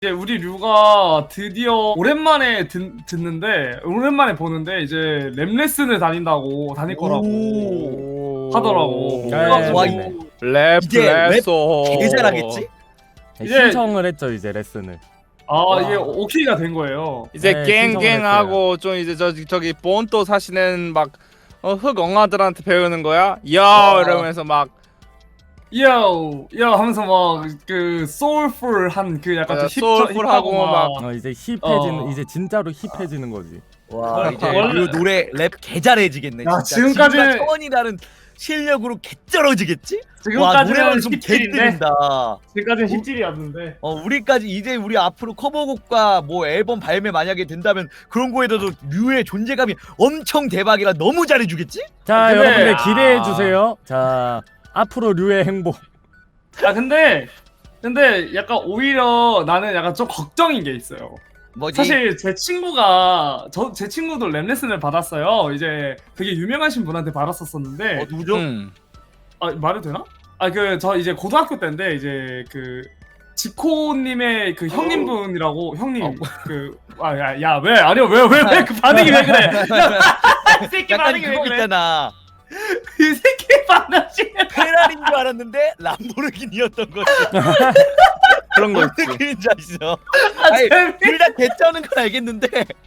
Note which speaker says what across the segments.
Speaker 1: 이제 우리 류가 드디어 오랜만에 듣는데 오랜만에 보는데 이제 랩 레슨을 다닐 거라고 하더라고. 그래가지고
Speaker 2: 와,
Speaker 3: 랩
Speaker 2: 이제 랩
Speaker 3: 레소
Speaker 2: 개 잘하겠지?
Speaker 1: 이제-
Speaker 4: 신청을 했죠 이제 레슨을.
Speaker 1: 이게 오케이가 된 거예요.
Speaker 3: 이제
Speaker 4: 네,
Speaker 3: 갱갱하고 좀 이제 저기 본토 사시는 막 흑엉아들한테 배우는 거야? 야 이러면서 막
Speaker 1: 요 하면서 막 그 소울풀한 그 약간 좀
Speaker 3: 소울풀하고 막
Speaker 4: 이제 힙해지는
Speaker 1: 어.
Speaker 4: 이제 진짜로 힙해지는 거지.
Speaker 2: 와 이제
Speaker 1: 원래-
Speaker 2: 그 노래 랩 개 잘해지겠네.
Speaker 1: 야,
Speaker 2: 진짜.
Speaker 1: 지금까지-
Speaker 2: 지금과 차원이라는 실력으로 개 쩔어지겠지? 와
Speaker 1: 지금까지는
Speaker 2: 노래만 좀 개
Speaker 1: 힙질인데
Speaker 2: 뜨린다.
Speaker 1: 지금까지는 힙질이었는데
Speaker 2: 우리까지 이제 우리 앞으로 커버곡과 뭐 앨범 발매 만약에 된다면 그런 거에도 류의 존재감이 엄청 대박이라 너무 잘해주겠지?
Speaker 4: 자
Speaker 1: 근데-
Speaker 4: 여러분들 기대해 주세요. 자 앞으로 류의 행복.
Speaker 1: 근데 약간 오히려 나는 약간 좀 걱정인 게 있어요.
Speaker 2: 뭐지?
Speaker 1: 사실 제 친구가 제 친구도 랩 레슨을 받았어요. 이제 되게 유명하신 분한테 받았었었는데
Speaker 2: 누구죠?
Speaker 1: 말해도 되나? 저 이제 고등학교 때인데 이제 그 지코님의 그 형님분이라고 형님 왜 아니요 왜 그 반응이 왜 그래? 이 새끼
Speaker 2: 약간
Speaker 1: 반응이 왜
Speaker 2: 그거
Speaker 1: 그래?
Speaker 2: 있잖아.
Speaker 1: 이 새끼 반응이
Speaker 2: 페라리인 줄 알았는데 람보르기니였던 거지.
Speaker 3: 그런 거
Speaker 2: 무슨
Speaker 3: 있지.
Speaker 2: 그림자 있어. 아니 둘다 개쩌는 건 알겠는데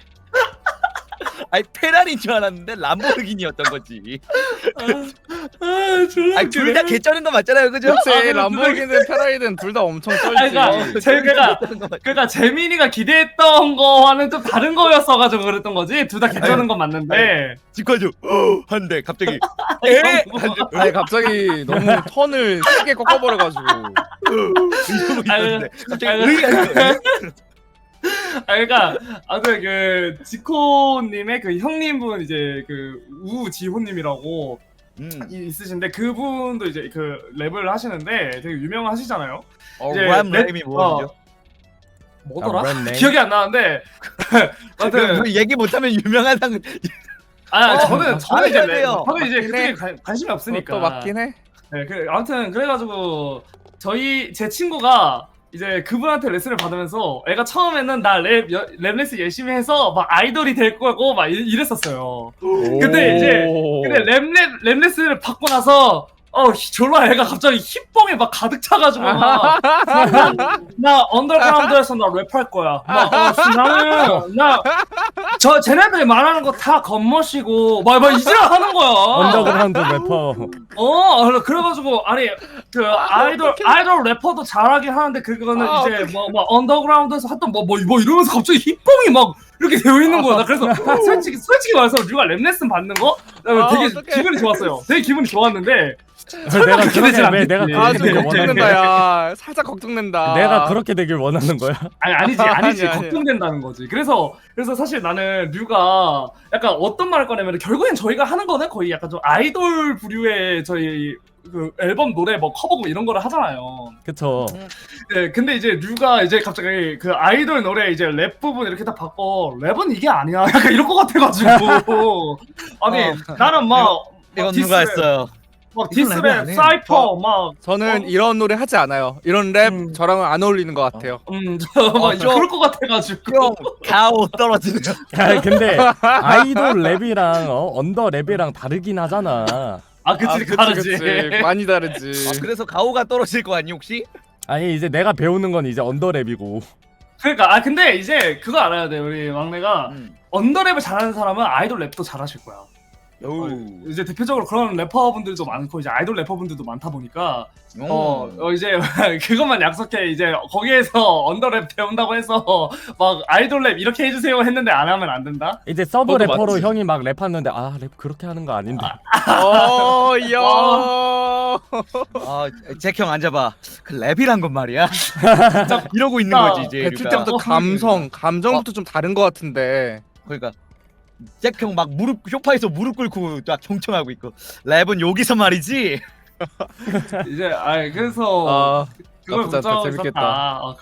Speaker 2: 아니 페라리인 줄 알았는데 람보르기니였던 거지. 아니 둘 다 개쩌는 거 맞잖아요, 그죠?
Speaker 3: 그치 람보르기니든 페라리든 둘 다 엄청 쩔지.
Speaker 1: 그러니까 재민이가 기대했던 거와는 좀 다른 거였어가지고 그랬던 거지. 둘 다 괜찮은 건 맞는데.
Speaker 2: 직관주 한대 갑자기
Speaker 3: 아니 갑자기 너무 턴을 크게 꺾어버려가지고
Speaker 2: 이러고 있었는데 갑자기
Speaker 1: 아유.
Speaker 2: 의가
Speaker 1: 그러니까 아무튼 그 지코님의 그 형님분 이제 그 우지호님이라고 있으신데 그분도 이제 그 랩을 하시는데 되게 유명하시잖아요. 이제
Speaker 2: 람이 뭐죠?
Speaker 1: 뭐더라?
Speaker 4: 랩 네임?
Speaker 1: 기억이 안 나는데. 아무튼
Speaker 2: 얘기 못하면 유명하다는
Speaker 1: 저는 이제
Speaker 2: 알아야 돼요.
Speaker 1: 저는 이제
Speaker 3: 맞긴 해.
Speaker 1: 그쪽에 관심이 없으니까.
Speaker 3: 그것도 맞긴 해.
Speaker 1: 네, 아무튼 그래가지고 제 친구가 이제 그분한테 레슨을 받으면서 애가 처음에는 나 랩 레슨 열심히 해서 막 아이돌이 될 거고 막 이랬었어요. 근데 랩 레슨을 받고 나서 졸라 애가 갑자기 힙봉에 막 가득 차가지고 나 언더그라운드에서 나 랩할 거야. 나는 쟤네들이 말하는 거 다 겉멋이고 막 이지랄 하는 거야.
Speaker 4: 언더그라운드 래퍼.
Speaker 1: 그래가지고 아니 그 아이돌 래퍼도 잘하긴 하는데 그거는 이제 뭐 언더그라운드에서 했던 뭐 이러면서 갑자기 힙봉이 막 이렇게 되어 있는 거야. 나 그래서 솔직히 말해서 류가 랩 레슨 받는 거 되게 기분이 좋았어요. 되게 기분이 좋았는데
Speaker 4: 내가
Speaker 1: 그렇게 되진
Speaker 4: 왜 내가
Speaker 1: 않겠지.
Speaker 4: 그렇게
Speaker 3: 좀
Speaker 4: 되길
Speaker 3: 걱정된다
Speaker 4: 원하는 거야?
Speaker 3: 야. 살짝 걱정된다.
Speaker 4: 내가 그렇게 되길 원하는 거야?
Speaker 1: 아니지
Speaker 3: 아니.
Speaker 1: 걱정된다는 거지. 그래서 사실 나는 류가 약간 어떤 말을 꺼내면 결국엔 저희가 하는 거는 거의 약간 좀 아이돌 부류의 저희 그 앨범 노래 뭐 커버곡 이런 거를 하잖아요.
Speaker 4: 그쵸.
Speaker 1: 네, 근데 이제 류가 이제 갑자기 그 아이돌 노래 이제 랩 부분 이렇게 다 바꿔 랩은 이게 아니야. 약간 이럴 것 같아가지고 아니 나는 막
Speaker 2: 이건 누가 했어요?
Speaker 1: 막
Speaker 2: 이건 랩이
Speaker 1: 디스랩,
Speaker 2: 아니에요.
Speaker 1: 사이퍼 막
Speaker 3: 저는 이런 노래 하지 않아요. 이런 랩 저랑은 안 어울리는 것 같아요.
Speaker 1: 그럴 것 같아가지고
Speaker 2: 가오 떨어지는.
Speaker 4: 야 근데 아이돌 랩이랑 언더 랩이랑 다르긴 하잖아.
Speaker 1: 그치 다르지.
Speaker 3: 많이 다르지.
Speaker 2: 그래서 가오가 떨어질 거 아니 혹시?
Speaker 4: 아니 이제 내가 배우는 건 이제 언더 랩이고.
Speaker 1: 그러니까 근데 이제 그거 알아야 돼. 우리 막내가 언더랩을 잘하는 사람은 아이돌 랩도 잘하실 거야. 이제 대표적으로 그런 래퍼분들도 많고 이제 아이돌 래퍼분들도 많다 보니까 이제 그것만 약속해. 이제 거기에서 언더랩 배운다고 해서 막 아이돌 랩 이렇게 해주세요 했는데 안 하면 안 된다.
Speaker 4: 이제 서브
Speaker 1: 그것도
Speaker 4: 래퍼로
Speaker 1: 맞지.
Speaker 4: 형이 막 랩하는데 랩 그렇게 하는 거 아닌데.
Speaker 3: 야.
Speaker 2: 잭형 앉아봐. 그 랩이란 건 말이야. 이러고 있는 거지 이제.
Speaker 3: 배출
Speaker 2: 류가.
Speaker 3: 때부터 감정부터 좀 다른 것 같은데.
Speaker 2: 그러니까 잭형 막 소파에서 무릎 꿇고 딱 경청하고 있고 랩은 여기서 말이지.
Speaker 1: 이제 그래서 그걸
Speaker 3: 나쁘지 않다.
Speaker 1: 걱정하고
Speaker 3: 재밌겠다.
Speaker 1: 있었다.